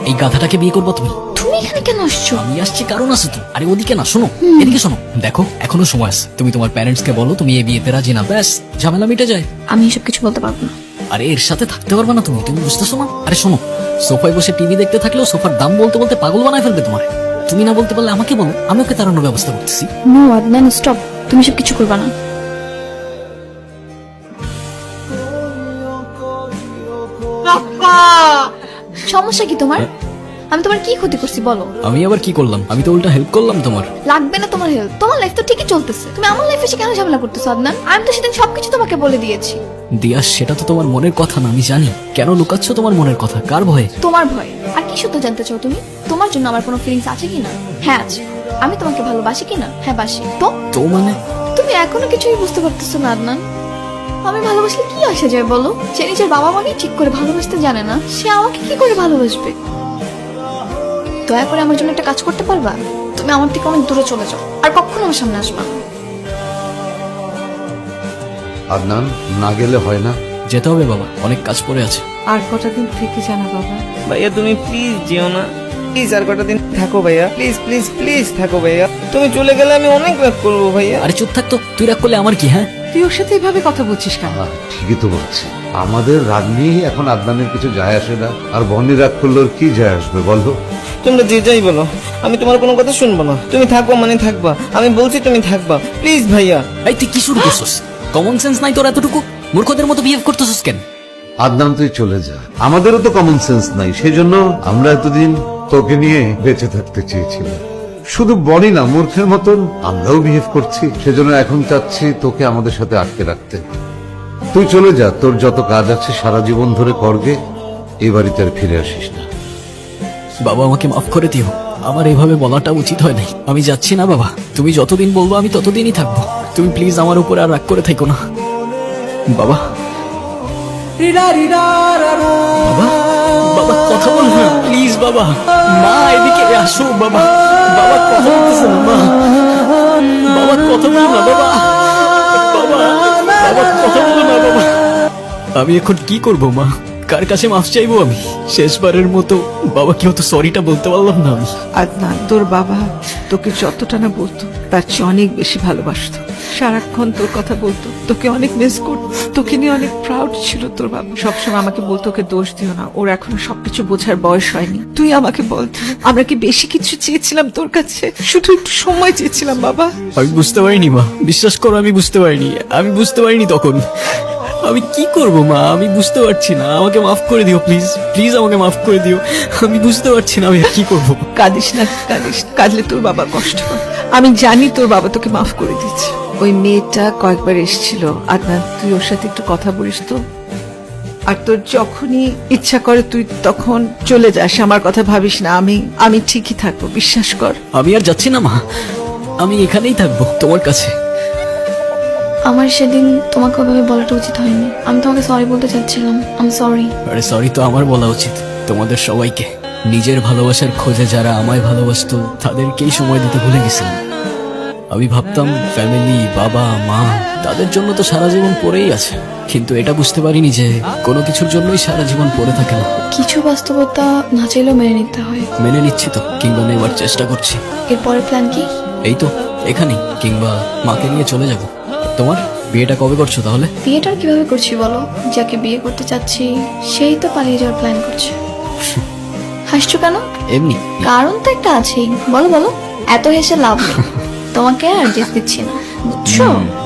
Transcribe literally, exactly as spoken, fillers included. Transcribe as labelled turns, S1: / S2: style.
S1: এই গাধাটাকে বিয়ে করবো তুমি?
S2: তুমি এখানে কেন আসছো?
S1: আমি আসছি কারণ আছে তো। আরে ওদিকে না, শোনো এদিকে শোনো। দেখো এখনো সময় আছে, তুমি তোমার প্যারেন্টস কে বলো তুমি এই বিয়েতে রাজি না, ব্যাস ঝামেলা মিটে যায়।
S2: আমি এসব কিছু বলতে পারবো না।
S1: আরে এর সাথে থাকতে পারবে না তুমি, তুমি বুঝতেছো না? আরে শোনো, সোফায় বসে টিভি দেখতে থাকলেও সোফার দাম বলতে বলতে পাগল বানায় ফেলবে তোমার। তুমি না বলতে পারলে আমাকে বলো, আমি ওকে তাড়ানোর ব্যবস্থা করতেছি।
S2: No Adnan, stop. তুমি সব কিছু করবা না। সমস্যা কি তোমার? আমি তোমার কি ক্ষতি করছি বলো?
S1: আমি আবার কি করলাম? আমি তো উল্টা হেল্প করলাম তোমার।
S2: লাগবে না তোমার হেল্প, তোমার লাইফ তো ঠিকই চলতেছে। তুমি আমার লাইফে এসে কেন ঝামেলা করতেছো আদনান? আমি তো সেদিন সবকিছু তোমাকে বলে দিয়েছি।
S1: দিয়া, সেটা তো তোমার মনের কথা না, আমি জানি। কেন লুকাচ্ছ তোমার মনের কথা? কার ভয়ে?
S2: তোমার ভয়। আর কি সত্য জানতে চাও তুমি? তোমার জন্য আমার কোনো ফিলিংস আছে কিনা? হ্যাঁ আছে। আমি তোমাকে ভালোবাসি কিনা? হ্যাঁ বাসি। তো
S1: তো মানে?
S2: তুমি এখনো কিছুই বুঝতে পারতেছো না আদনান। আমি ভালোবাসলে কি আসে যায় বলো? সে নিজের বাবা মাকে ঠিক করে ভালোবাসতে জানে না, সে আমাকে কি করে ভালোবাসবে? দয়া করে আমার জন্য একটা কাজ করতে পারবা? তুমি আমার থেকে অনেক দূরে চলে যাও, আর কখনো আমার সামনে আসবা না।
S3: আদনান, না গেলে হয় না।
S1: যেতে হবে বাবা, অনেক কাজ পড়ে আছে।
S4: আর কটা দিন থেকে জানা বাবা।
S5: ভাইয়া তুমি প্লিজ যেও না, প্লিজ আর কটা দিন থাকো ভাইয়া, প্লিজ প্লিজ প্লিজ থাকো ভাইয়া। তুমি চলে গেলে আমি অনেক রাগ করবো ভাইয়া।
S1: আরে চুপ থাক তো, তুই রাগ করলে আমার কি? হ্যাঁ
S4: তুই ওর সাথে এভাবে কথা বলছিস কেন?
S3: আহ, ঠিকই তো বলছি, আমাদের রাগ নিয়েই এখন আদনানের কিছু যায় আসে না। আর বনি রাগ করলে ওর কি যায় আসবে বলো?
S5: তোমরা যে যাই বলো, আমি তোমার কোনো কথা শুনবো না। তুমি থাকবা মানে থাকবা, আমি বলছি তুমি থাকবা, প্লিজ ভাইয়া।
S1: এই তুই কি শুরু করছিস? কমন সেন্স নাই তোর এতটুকু? মূর্খদের মতো বিহেভ করতেছিস কেন?
S3: আদনান তুই চলে যা, আমাদেরও তো কমন সেন্স নাই। সেই জন্য আমরা এতদিন তোকে নিয়ে বেঁচে থাকতে চেয়েছিলাম। শুধু বনি না, মূর্খের মতন আমরাও বিহেভ করছি। সেজন্য এখন চাচ্ছি তোকে আমাদের সাথে আটকে রাখতে। তুই চলে যা, তোর যত কাজ আছে সারা জীবন ধরে করবে, এই বাড়িতে আর ফিরে আসিস না।
S1: বাবা আমাকে মাফ করে দিও, আমার এভাবে বলাটা উচিত হয় নাই। আমি যাচ্ছি না বাবা, তুমি যতদিন বলবো আমি ততদিনই থাকবো। তুমি প্লিজ আমার উপরে আর রাগ করে থেকো না বাবা। বাবা, বাবা কথা বল না প্লিজ বাবা। মা এদিকে আসো বাবা। বাবা কথা বলতেছে না মা। বাবা কথা বল না বাবা। বাবা, বাবা কথা বল না বাবা। আমি এখন কি করব মা? কার কাছে মাফ চাইবো আমি? শেষবারের মতো বাবাকে হয়তো সরিটা বলতে পারলাম না আমি।
S4: আদনান, তোর বাবা তোকে যতটা না বলতো তার চেয়ে অনেক বেশি ভালোবাসতো। সারাক্ষণ তোর কথা বলতো, তোকে অনেক মিস করতো, তোকে নিয়ে অনেক প্রাউড ছিল তোর বাবা। সবসময় আমাকে বলতো ওকে দোষ দিও না, ওর এখনো সবকিছু বোঝার বয়স হয়নি। তুই আমাকে বল, আমরা কি বেশি কিছু চেয়েছিলাম তোর কাছে? শুধু একটু সময় চেয়েছিলাম বাবা।
S1: আমি বুঝতে পারিনি মা, বিশ্বাস করো আমি বুঝতে পারিনি। আমি বুঝতে পারিনি তখন। আমি কি করব মা? আমি বুঝতে পারছি না। আমাকে মাফ করে দিও প্লিজ, প্লিজ আমাকে মাফ করে দিও। আমি বুঝতে পারছি না আমি আর কি করব।
S4: কাঁদিস না, কাঁদিস না। কাঁদলে তোর বাবা কষ্ট পায়। আমি জানি তোর বাবা তোকে মাফ করে দিচ্ছে। ওই মেয়েটা কয়েকবার এসেছিল আদনান, তুই ওর সাথে একটু কথা বলিস তো। আর তোর যখনই ইচ্ছা করে তুই তখন চলে যাস, আমার কথা ভাবিস না। আমি আমি ঠিকই থাকবো, বিশ্বাস কর।
S1: আমি আর যাচ্ছি না মা, আমি এখানেই থাকবো তোমার কাছে।
S2: আমার সেদিন তোমাকে ওভাবে বলাটা উচিত হয়নি। আমি তোমাকে সরি বলতে চাচ্ছিলাম। I am sorry.
S1: আরে সরি তো আমার বলা উচিত, তোমাদের সবাইকে। নিজের ভালোবাসার খোঁজে যারা আমায় ভালোবাসতো তাদেরকেই সময় দিতে ভুলে গেছিলাম। আমি ভাবতাম ফ্যামিলি, বাবা মা, তাদের জন্য তো সারা জীবন পড়েই আছে। কিন্তু এটা বুঝতে পারিনি যে কোনো কিছুর জন্যই সারা জীবন পড়ে থাকে না।
S2: কিছু বাস্তবতা না চাইলেও মেনে নিতে হয়।
S1: মেনে নিচ্ছি তো, কিংবা নেবার চেষ্টা করছি।
S2: এরপরের প্ল্যান কি?
S1: এই তো এখানেই, কিংবা মাকে নিয়ে চলে যাব। তোমার বিয়েটা কবে করছো তাহলে?
S2: বিয়েটা আর কিভাবে করছি বলো? যাকে বিয়ে করতে চাচ্ছি সেই তো পালিয়ে যাওয়ার প্ল্যান করছে। হাসছো কেন?
S1: এমনি।
S2: কারণ তো একটা আছেই। বলো বলো, এত হেসে লাভ নেই। তোমাকে আর যেতে দিচ্ছি না, বুঝছো?